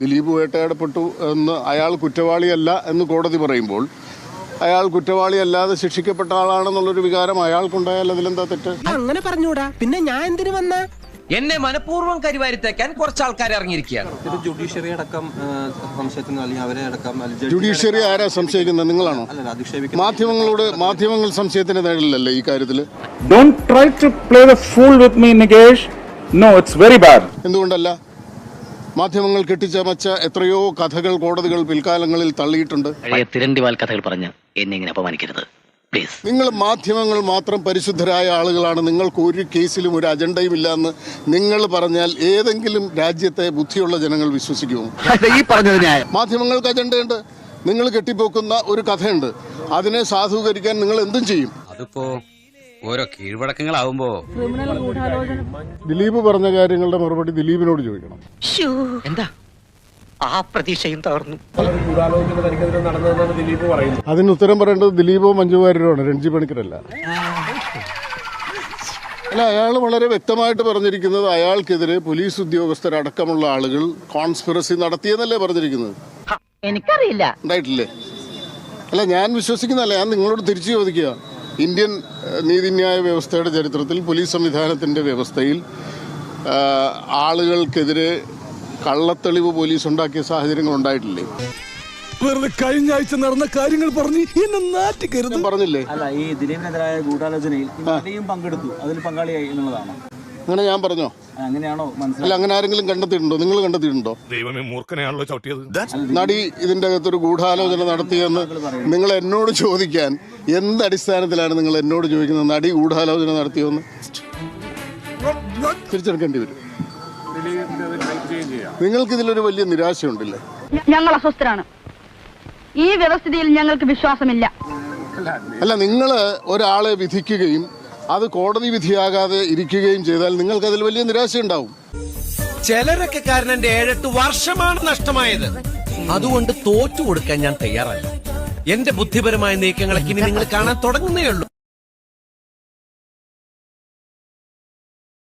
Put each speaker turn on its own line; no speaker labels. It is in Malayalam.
ദിലീപ് വേട്ടയാടപ്പെട്ടു എന്ന് അയാൾ കുറ്റവാളിയല്ല എന്ന് കോടതി പറയുമ്പോൾ അയാൾ കുറ്റവാളിയല്ലാതെ ശിക്ഷിക്കപ്പെട്ട ആളാണെന്നുള്ളൊരു വികാരം അയാൾക്കുണ്ടായാൽ അതിലെന്താ തെറ്റ്?
അങ്ങനെ പറഞ്ഞൂടാ, പിന്നെ ഞാൻ എന്തിനു വന്ന?
എന്നെ മനഃപൂർവ്വം കരിവാരിത്തേക്കാൻ കുറച്ച് ആൾക്കാർ ഇറങ്ങിയിരിക്കുകയാണ്.
ജുഡീഷ്യറി അടക്കം സംശയത്തിന് അല്ലെങ്കിൽ അവരെ അടക്കം
ജുഡീഷ്യറി ആരാ സംശയിക്കുന്നത്? നിങ്ങളാണോ? മാധ്യമങ്ങൾ സംശയത്തിന് നേടില്ലല്ലേ ഈ കാര്യത്തില്?
Don't try to play the fool with me, Nikesh. No, it's very bad.
എന്തുകൊണ്ടല്ല? മാധ്യമങ്ങൾ കെട്ടിച്ചമച്ച എത്രയോ കഥകൾ കോടതികൾ പിൽക്കാലങ്ങളിൽ തള്ളിയിട്ടുണ്ട്.
തിരണ്ടിവാൽ കഥകൾ പറഞ്ഞ് എന്നെ ഇങ്ങനെ അപമാനിക്കരുത് പ്ലീസ്.
നിങ്ങൾ മാധ്യമങ്ങൾ മാത്രം പരിശുദ്ധരായ ആളുകളാണ്, നിങ്ങൾക്ക് ഒരു കേസിലും ഒരു അജണ്ടയും ഇല്ല എന്ന് നിങ്ങൾ പറഞ്ഞാൽ ഏതെങ്കിലും രാജ്യത്തെ ബുദ്ധിയുള്ള ജനങ്ങൾ വിശ്വസിക്കുമോ?
ഈ പറഞ്ഞത് ന്യായം.
മാധ്യമങ്ങൾക്ക് അജണ്ടയുണ്ട്. നിങ്ങൾ കെട്ടിപ്പോക്കുന്ന ഒരു കഥയുണ്ട്, അതിനെ സാധൂകരിക്കാൻ നിങ്ങൾ എന്തും ചെയ്യും.
അതിപ്പോ ഓരോ കീഴ്വഴക്കങ്ങളാവുമ്പോ
ദിലീപ് പറഞ്ഞ കാര്യങ്ങളുടെ മറുപടി ദിലീപിനോട് ചോദിക്കണം.
എന്താ ആ പ്രതീക്ഷയും തകർന്നു.
അതിന് ഉത്തരം പറയേണ്ടത് ദിലീപോ മഞ്ജു വാര്യരോ ആണ്, രഞ്ജി പണിക്കരല്ല. അല്ല, അയാൾ വളരെ വ്യക്തമായിട്ട് പറഞ്ഞിരിക്കുന്നത് അയാൾക്കെതിരെ പോലീസ് ഉദ്യോഗസ്ഥരടക്കമുള്ള ആളുകൾ കോൺസ്പിറസി നടത്തിയെന്നല്ലേ പറഞ്ഞിരിക്കുന്നത്?
എനിക്കറിയില്ല.
ഉണ്ടായിട്ടില്ലേ? അല്ല, ഞാൻ വിശ്വസിക്കുന്നതല്ല, ഞാൻ നിങ്ങളോട് തിരിച്ചു ചോദിക്കുക. ഇന്ത്യൻ നീതിന്യായ വ്യവസ്ഥയുടെ ചരിത്രത്തിൽ പോലീസ് സംവിധാനത്തിൻ്റെ വ്യവസ്ഥയിൽ ആളുകൾക്കെതിരെ കള്ളത്തെളിവ് പോലീസ് ഉണ്ടാക്കിയ സാഹചര്യങ്ങൾ ഉണ്ടായിട്ടില്ലേ?
വെറുതെ കഴിഞ്ഞ ആഴ്ച നടന്ന കാര്യങ്ങൾ പറഞ്ഞ് എന്നെ നാറ്റിക്കരുത്
പറഞ്ഞില്ലേ?
അല്ല, ഈ ദിലീപിനെതിരായ ഗൂഢാലോചനയിൽ പങ്കെടുത്തു, അതിൽ പങ്കാളിയായി എന്നുള്ളതാണ്.
അങ്ങനെ ഞാൻ പറഞ്ഞോ?
അങ്ങനെയാണോ മനസ്സിലായി?
അല്ല, അങ്ങനെ ആരെങ്കിലും കണ്ടെത്തിയിട്ടുണ്ടോ? നിങ്ങൾ കണ്ടെത്തിയിട്ടുണ്ടോ?
ദൈവമേ, മൂർഖനെയാണല്ലോ ചവിട്ടിയത്.
നടി ഇതിന്റെ അകത്തൊരു ഗൂഢാലോചന നടത്തിയെന്ന് നിങ്ങൾ എന്നോട് ചോദിക്കാൻ എന്ത് അടിസ്ഥാനത്തിലാണ് നിങ്ങൾ എന്നോട് ചോദിക്കുന്നത്? നടി ഗൂഢാലോചന നടത്തിയോന്ന് തിരിച്ചെടുക്കേണ്ടി വരും. നിങ്ങൾക്ക് ഇതിലൊരു വലിയ നിരാശയുണ്ടല്ലേ?
ഞങ്ങൾ അസ്വസ്ഥരാണ്. ഈ വ്യവസ്ഥിതിയിൽ ഞങ്ങൾക്ക് വിശ്വാസമില്ല.
അല്ല, നിങ്ങൾ ഒരാളെ വിധിക്കുകയും അത് കോടതി വിധിയാകാതെ ഇരിക്കുകയും ചെയ്താൽ നിങ്ങൾക്ക് അതിൽ വലിയ നിരാശയുണ്ടാവും.
ചിലരൊക്കെ കാരണം എന്റെ 7-8 വർഷമാണ് നഷ്ടമായത്. അതുകൊണ്ട് തോറ്റു കൊടുക്കാൻ ഞാൻ തയ്യാറല്ല. എന്റെ ബുദ്ധിപരമായ നീക്കങ്ങളൊക്കെ ഇനി നിങ്ങൾ കാണാൻ തുടങ്ങുന്നേ ഉള്ളൂ.